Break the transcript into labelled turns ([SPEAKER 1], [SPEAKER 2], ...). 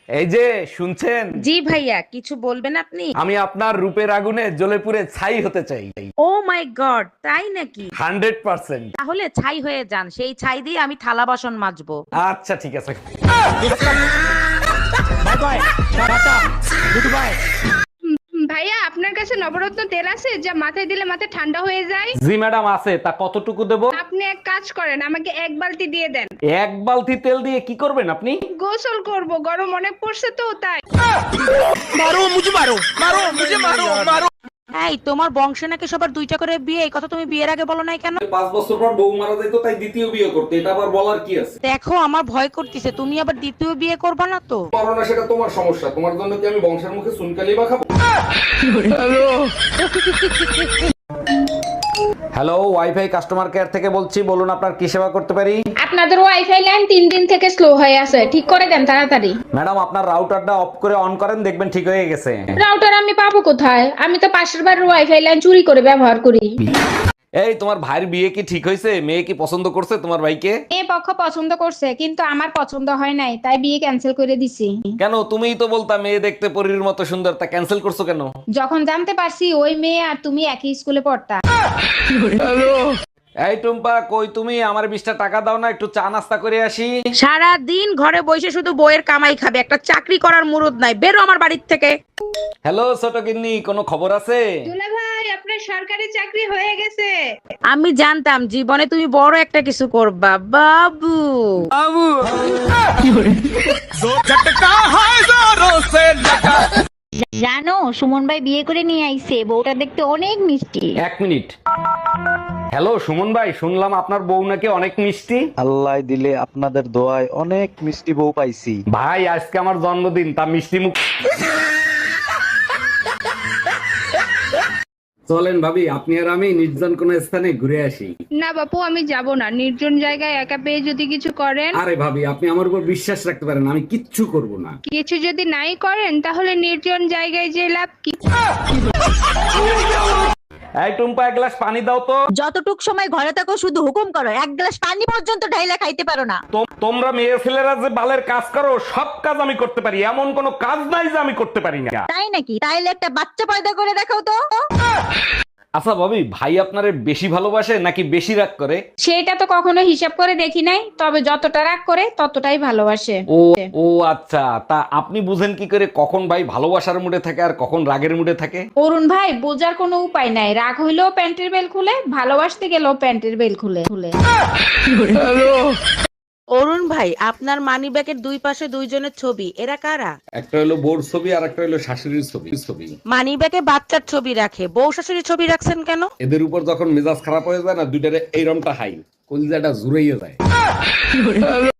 [SPEAKER 1] এই যে শুনছেন,
[SPEAKER 2] জি ভাইয়া, কিছু বলবেন আপনি?
[SPEAKER 1] আমি আপনার রূপের আগুনে জ্বলে পুড়ে ছাই হতে চাই।
[SPEAKER 2] ও মাই গড, তাই নাকি?
[SPEAKER 1] 100%।
[SPEAKER 2] তাহলে ছাই হয়ে যান, সেই ছাই দিয়ে আমি থালা বাসন মাজবো।
[SPEAKER 1] আচ্ছা ঠিক আছে।
[SPEAKER 3] ভাইয়া আপনার কাছে নবরত্ন তেল আছে যা মাথায় দিলে মাথা ঠান্ডা হয়ে যায়?
[SPEAKER 1] জি ম্যাডাম আছে, তা কতটুকু দেব?
[SPEAKER 3] আপনি এক কাজ করেন, আমাকে এক বালতি দিয়ে দেন।
[SPEAKER 1] এক বালতি তেল দিয়ে কি করবেন আপনি?
[SPEAKER 3] গোসল করব, গরম অনেক পড়ছে তো তাই।
[SPEAKER 2] এই, তোমার বংশ নাকি সবার দুইটা করে বিয়ে, এই কথা তুমি বিয়ের আগে বলো নাই কেন?
[SPEAKER 1] 5 বছর পর বউ মারা যাইতো, তাই দ্বিতীয় বিয়ে করতে, এটা আবার বলার কি আছে?
[SPEAKER 2] দেখো, আমার ভয় করতেছে, তুমি আবার দ্বিতীয় বিয়ে করবা না তো?
[SPEAKER 1] পারো না সেটা তোমার সমস্যা, তোমার জন্য কি আমি বংশের মুখে চুনকালি বা খাবো? হ্যালো, ওয়াইফাই কাস্টমার কেয়ার থেকে বলছি, বলুন আপনার কি সেবা করতে পারি?
[SPEAKER 3] আপনাদের ওয়াইফাই লাইন 3 দিন থেকে স্লো হয়ে আছে, ঠিক করে দেন তাড়াতাড়ি।
[SPEAKER 1] ম্যাডাম আপনার রাউটারটা অফ করে অন করেন, দেখবেন ঠিক হয়ে গেছে।
[SPEAKER 3] রাউটার আমি পাবো কোথায়? আমি তো পাশের বাড়ির ওয়াইফাই লাইন চুরি করে ব্যবহার করি।
[SPEAKER 1] এই তোমার ভাইয়ের বিয়ে কি ঠিক হয়েছে? মেয়ে কি পছন্দ করছে তোমার ভাইকে?
[SPEAKER 3] এ পক্ষ পছন্দ করছে, কিন্তু আমার পছন্দ হয় নাই, তাই বিয়ে ক্যান্সেল করে দিছি।
[SPEAKER 1] কেন, তুমিই তো বলতা মেয়ে দেখতে পরীর মতো সুন্দর, তা ক্যান্সেল করছো কেন?
[SPEAKER 3] যখন জানতে পারছি ওই মেয়ে আর তুমি একই স্কুলে পড়তা।
[SPEAKER 1] এই টুম্পা, কই তুমি? আমার 20টা টাকা দাও না, একটু চা নাস্তা করে আসি।
[SPEAKER 2] সারা দিন ঘরে বসে শুধু বইয়ের কামাই খাবে, একটা চাকরি করার মুরুদ নাই, বেরো আমার বাড়ির থেকে।
[SPEAKER 1] হ্যালো ছোট গিন্নি, কোনো খবর আছে?
[SPEAKER 3] দুলা ভাই, আপনার সরকারি চাকরি হয়ে গেছে।
[SPEAKER 2] আমি জানতাম জীবনে তুমি বড় একটা কিছু করবা, বাবু।
[SPEAKER 4] জানো, সুমন ভাই বিয়ে করে নিয়ে আইছে, বউটা দেখতে অনেক মিষ্টি।
[SPEAKER 1] 1 মিনিট। হ্যালো সুমন ভাই, শুনলাম আপনার বউ নাকি অনেক মিষ্টি।
[SPEAKER 5] আল্লাহ দিলে আপনাদের দোয়ায় অনেক মিষ্টি বউ পাইছি।
[SPEAKER 1] ভাই আজকে আমার জন্মদিন, তা মিষ্টি মুখ। চলেন ভাবি, আপনি আর আমি নির্জন কোন স্থানে ঘুরে আসি।
[SPEAKER 3] না বাপু, আমি যাব না, নির্জন জায়গায় একা পেয়ে যদি কিছু করেন।
[SPEAKER 1] আরে ভাবি, আপনি আমার উপর বিশ্বাস রাখতে পারেন, আমি কিচ্ছু করব না।
[SPEAKER 3] কিছু যদি নাই করেন তাহলে নির্জন জায়গায় যে লাভ কি?
[SPEAKER 1] এই টুম্পা, এক গ্লাস পানি দাও তো।
[SPEAKER 4] যতটুক সময় ঘরে থাকো শুধু হুকুম করো, এক গ্লাস পানি পর্যন্ত ঢাইলা খাইতে পারো না।
[SPEAKER 1] তোমরা মেয়ে ছেলেরা যে বালের কাজ করো, সব কাজ আমি করতে পারি, এমন কোনো কাজ নাই যে আমি করতে পারি না।
[SPEAKER 4] তাই নাকি? তাইলে একটা বাচ্চা পয়দা করে দেখাও তো।
[SPEAKER 1] আচ্ছা ভাবি, ভাই আপনারে বেশি ভালোবাসে নাকি বেশি রাগ করে?
[SPEAKER 3] সেটা তো কখনো হিসাব করে দেখি নাই, তবে যতটা রাগ করে ততটাই ভালোবাসে।
[SPEAKER 1] ও ও আচ্ছা, তা আপনি বুঝেন কি করে কখন ভাই ভালোবাসার মুডে থাকে আর কখন রাগের মুডে থাকে?
[SPEAKER 3] অরুণ ভাই, বোঝার কোনো উপায় নাই, রাগ হইলেও প্যান্টের বেল খুলে, ভালোবাসতে গেলেও প্যান্টের বেল খুলে খুলে।
[SPEAKER 2] অরুণ ভাই, আপনার মানি ব্যাগের দুই পাশে দুইজনের ছবি, এরা কারা?
[SPEAKER 1] একটা হলো বোর ছবি আর একটা হলো শাশুড়ির ছবি।
[SPEAKER 2] মানি ব্যাগে বাচ্চার ছবি রাখে, বউ শাশুড়ির ছবি রাখছেন কেন?
[SPEAKER 1] এদের উপর যখন মেজাজ খারাপ হয়ে যায় না, দুইটারে এইরমটা হাই কলিজাটা জুড়াইয়া যায়।